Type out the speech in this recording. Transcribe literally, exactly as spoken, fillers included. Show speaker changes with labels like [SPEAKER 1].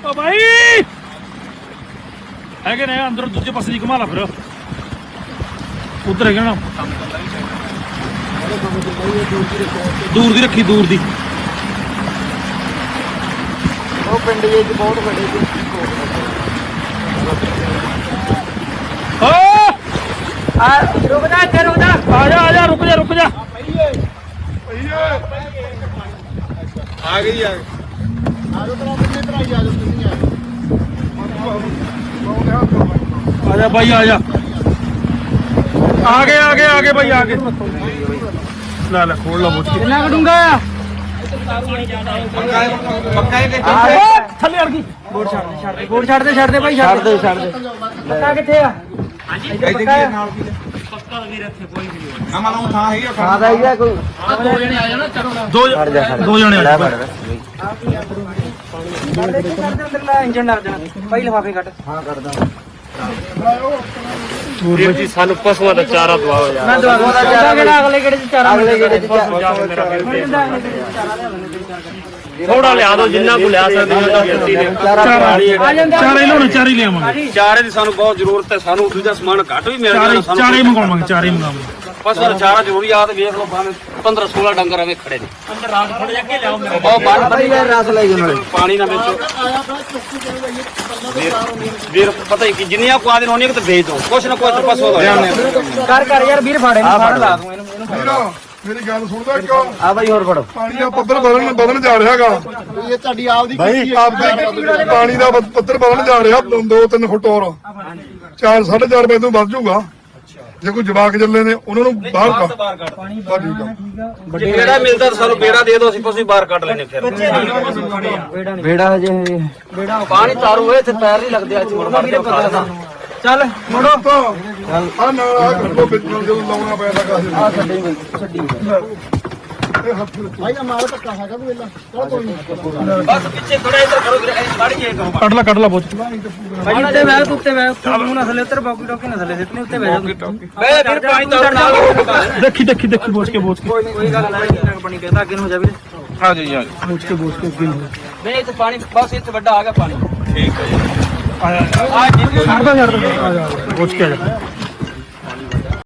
[SPEAKER 1] ਓ ਬਾਈ ਹੈਗੇ ਨੇ ਅੰਦਰ ਦੂਜੇ ਪਾਸੇ ਦੀ ਘੁਮਾ ਲਾ ਫਿਰ ਉਧਰ ਹੈਗਾ ਨਾ ਦੂਰ ਦੀ ਰੱਖੀ ਦੂਰ ਦੀ
[SPEAKER 2] ਉਹ ਪਿੰਡ ਜੇ ਬਹੁਤ ਵੱਡੇ
[SPEAKER 1] ਓ
[SPEAKER 2] ਆ ਰੁਕ ਜਾ ਇੱਥੇ ਰੁਕ ਜਾ
[SPEAKER 1] ਆ ਜਾ ਆ ਜਾ ਰੁਕ ਜਾ ਰੁਕ ਜਾ
[SPEAKER 3] ਆ ਗਈ ਆ
[SPEAKER 2] ਆਜੋ ਤਰਾ ਕਿੰਨੇ ਤਰਾ ਹੀ ਆਜੋ ਤੁਸੀਂ
[SPEAKER 1] ਆ ਜਾ ਬਾਈ ਆ ਜਾ ਆ ਗਏ ਆ ਗਏ ਆ ਗਏ ਬਾਈ ਆ ਗਏ ਲੈ ਲੈ ਖੋਲ ਲਾ ਬੋਚ ਕੇ
[SPEAKER 2] ਕਿੰਨਾ ਕਟੂੰਗਾ
[SPEAKER 3] ਪੱਕਾ ਹੀ
[SPEAKER 1] ਥੱਲੇ ਅੜ ਗਈ
[SPEAKER 2] ਗੋੜ ਛੱਡ ਦੇ ਛੱਡ ਦੇ ਗੋੜ ਛੱਡ ਦੇ ਛੱਡ ਦੇ ਭਾਈ ਛੱਡ ਦੇ ਛੱਡ ਦੇ ਪੱਕਾ ਕਿੱਥੇ ਆ ਹਾਂਜੀ
[SPEAKER 3] ਇੱਥੇ ਕੀ ਨਾਲ ਕੀ ਪੱਕਾ ਵੀਰ ਇੱਥੇ ਕੋਈ ਨਹੀਂ ਆ ਮਾਨੂੰ ਥਾਂ ਹੈਗੀ
[SPEAKER 2] ਹਾਂ ਦਾ ਹੀ ਕੋਈ
[SPEAKER 1] ਦੋ ਜਣੇ ਆ ਜਾਣਾ ਚਲੋ ਦੋ ਦੋ ਜਣੇ ਆ ਜਾ
[SPEAKER 2] ਅੰਦਰ ਲੈ ਇੰਜਨ ਲੱਗ ਜਾ ਭਾਈ ਲਿਫਾਫੇ ਕੱਟ ਹਾਂ ਕਰਦਾ
[SPEAKER 1] ਵੀਰ ਜੀ ਸਾਨੂੰ ਪਸ਼ੂਆਂ ਦਾ ਚਾਰਾ ਦਵਾਓ ਯਾਰ
[SPEAKER 2] ਮੈਂ ਦਵਾ ਦੂੰਗਾ ਚਾਰਾ ਕਿਹੜਾ ਅਗਲੇ ਕਿਹੜੇ ਚ ਚਾਰਾ ਅਗਲੇ ਕਿਹੜੇ ਚ
[SPEAKER 1] ਥੋੜਾ ਲਿਆ ਦੋ ਜਿੰਨਾ ਕੋ ਲਿਆ ਸਕਦੇ ਹੋ ਤਾਂ ਗਿਣਤੀ ਨੇ ਚਾਰੇ ਲਿਆਉਣੇ ਚਾਰੇ ਲਿਆਵਾਂਗੇ
[SPEAKER 3] ਚਾਰੇ ਦੀ ਸਾਨੂੰ ਬਹੁਤ ਜ਼ਰੂਰਤ ਹੈ ਸਾਨੂੰ ਦੂਜਾ ਸਮਾਨ ਘੱਟ ਵੀ ਮਿਲ
[SPEAKER 1] ਚਾਰੇ
[SPEAKER 3] ਜਾਣਾ ਸਾਨੂੰ
[SPEAKER 1] ਚਾਰੇ ਮੰਗਾਵਾਂਗੇ ਚਾਰੇ ਮੰਗਾਵਾਂਗੇ
[SPEAKER 3] ਬਸ ਉਹ ਚਾਰਾ ਜ਼ਰੂਰੀ ਆ ਤੇ ਵੇਖ ਲਓ ਬਾਹਰ ਪੰਦਰਾਂ ਸੋਲਾਂ ਡੰਗਰ ਐਵੇਂ ਖੜੇ ਨੇ
[SPEAKER 1] ਅੰਦਰ ਰਾਤ ਖੜ ਜਾ ਕੇ ਲਿਆਓ ਮੇਰੇ
[SPEAKER 3] ਬਹੁਤ ਬਾਹਰ
[SPEAKER 2] ਭਾਈ ਯਾਰ ਰਸ ਲੈ ਗਏ ਨਾਲੇ
[SPEAKER 3] ਪਾਣੀ ਨਾ ਵਿੱਚ ਵੀਰ ਪਤਾ ਹੀ ਕਿ ਜਿੰਨੀਆਂ ਕੁ ਆਦਿਨ ਹੋਣੀ ਕਿ ਤੇ ਵੇਚ ਦੋ ਕੁਛ ਨਾ ਕੁਛ ਪਸੋ ਹੋ ਜਾਣੇ
[SPEAKER 2] ਕਰ ਕਰ ਯਾਰ ਵੀਰ ਫਾੜੇ ਨੂੰ ਫੜ ਲਾ ਦੂੰ ਇਹਨੂੰ ਇਹਨੂੰ
[SPEAKER 4] ਮੇਰੀ ਗੱਲ ਸੁਣਦਾ ਇੱਕ
[SPEAKER 2] ਆ ਭਾਈ ਹੋਰ ਫੜੋ
[SPEAKER 4] ਪਾਣੀ ਦਾ ਪੱਧਰ ਵਧਣ ਵਧਣ ਜਾ ਰਿਹਾ ਹੈਗਾ
[SPEAKER 2] ਇਹ ਤੁਹਾਡੀ ਆਪਦੀ
[SPEAKER 4] ਭਾਈ ਆਪਦੇ ਪਾਣੀ ਦਾ ਪ- ਪੱਧਰ ਵਧਣ ਜਾ ਰਿਹਾ ਦੋ ਤਿੰਨ ਫੁੱਟ ਹੋਰ ਚਾਰ ਸਾਢੇ ਚਾਰ ਵਜੇ ਤੋਂ ਵੱਧ ਜਾਊਗਾ ਜੇ ਕੋਈ ਜਵਾਕ ਚੱਲੇ ਨੇ ਉਹਨਾਂ ਨੂੰ ਬਾਹਰ ਕੱਢ
[SPEAKER 3] ਬਾਹਰ ਕੱਢ
[SPEAKER 4] ਬਸ ਠੀਕ ਆ
[SPEAKER 3] ਜੇ ਬੇੜਾ ਮਿਲਦਾ ਤਾਂ ਸਾਨੂੰ ਬੇੜਾ ਦੇ ਦਿਓ ਅਸੀਂ ਪਸੂ ਬਾਹਰ ਕੱਢ ਲੈਣੇ ਫਿਰ
[SPEAKER 2] ਬੇੜਾ ਹਜੇ ਬੇੜਾ
[SPEAKER 3] ਪਾਣੀ ਤਾਰੂ ਹੋਏ ਤੇ ਪੈਰ ਨਹੀਂ ਲੱਗਦੇ ਅੱਜ ਮੁੜ ਮਾਰ ਕੇ
[SPEAKER 2] ਚੱਲ
[SPEAKER 4] ਮੁੜੋ ਤਾਂ ਆ ਨਾਲ ਆ ਕੱਢੋ ਵਿੱਚ ਨੂੰ ਜਦੋਂ ਲਾਉਣਾ ਪੈਂਦਾ ਕਾਸੇ
[SPEAKER 2] ਆ ਛੱਡੀ ਬਈ ਛੱਡੀ
[SPEAKER 4] ਇਹ ਹੱਥ
[SPEAKER 2] ਭਾਈ ਦਾ ਮਾਲ ਧੱਕਾ ਹੈਗਾ ਕੋਈ ਵੇਲਾ ਚਲ ਕੋਈ ਨਹੀਂ
[SPEAKER 3] ਬਸ ਪਿੱਛੇ ਖੜਾ ਇੱਧਰ ਕਰੋ ਵੀਰੇ ਐਂ ਕੱਢ ਕੇ ਕਰੋ
[SPEAKER 1] ਕੱਢ ਲਾ ਕੱਢ ਲਾ ਬੋਚ
[SPEAKER 2] ਭਾਈ ਉੱਤੇ ਬੈਠ ਉੱਤੇ ਬੈਠ ਤੂੰ ਨਾ ਥੱਲੇ ਉੱਤਰ ਬਾਕੀ ਟੋਕੀ ਨਾ ਥੱਲੇ ਸਿੱਟਨੇ ਉੱਤੇ ਬੈਠ
[SPEAKER 3] ਮੈਂ ਫਿਰ ਪਾਣੀ ਤਾਰੂ ਨਾਲ
[SPEAKER 1] ਦੇਖੀ ਦੇਖੀ ਦੇਖੀ ਬੋਚ ਕੇ ਬੋਚ ਕੇ
[SPEAKER 2] ਕੋਈ ਨਹੀਂ ਕੋਈ ਗੱਲ ਨਹੀਂ ਨਾ ਪਾਣੀ ਕਹਿੰਦਾ ਅੱਗੇ ਨੂੰ ਹੋ ਜਾ ਵੀਰੇ
[SPEAKER 3] ਹਾਂ ਜੀ ਹਾਂ
[SPEAKER 1] ਬੋਚ ਕੇ ਬੋਚ ਕੇ ਅੱਗੇ ਨੂੰ
[SPEAKER 3] ਨਹੀਂ ਇੱਥੇ ਪਾਣੀ ਬਸ ਇੱਥੇ ਵੱਡਾ ਆ ਗਿਆ ਪਾਣੀ ਠੀਕ ਹੈ ਜੀ
[SPEAKER 1] ਆ ਜਾ
[SPEAKER 3] ਆ ਜਿੰਨੇ
[SPEAKER 1] ਛੱਡ ਦੋ ਛੱਡ ਦੋ ਆ ਜਾ ਬੋਚ ਕੇ ਆ ਜਾ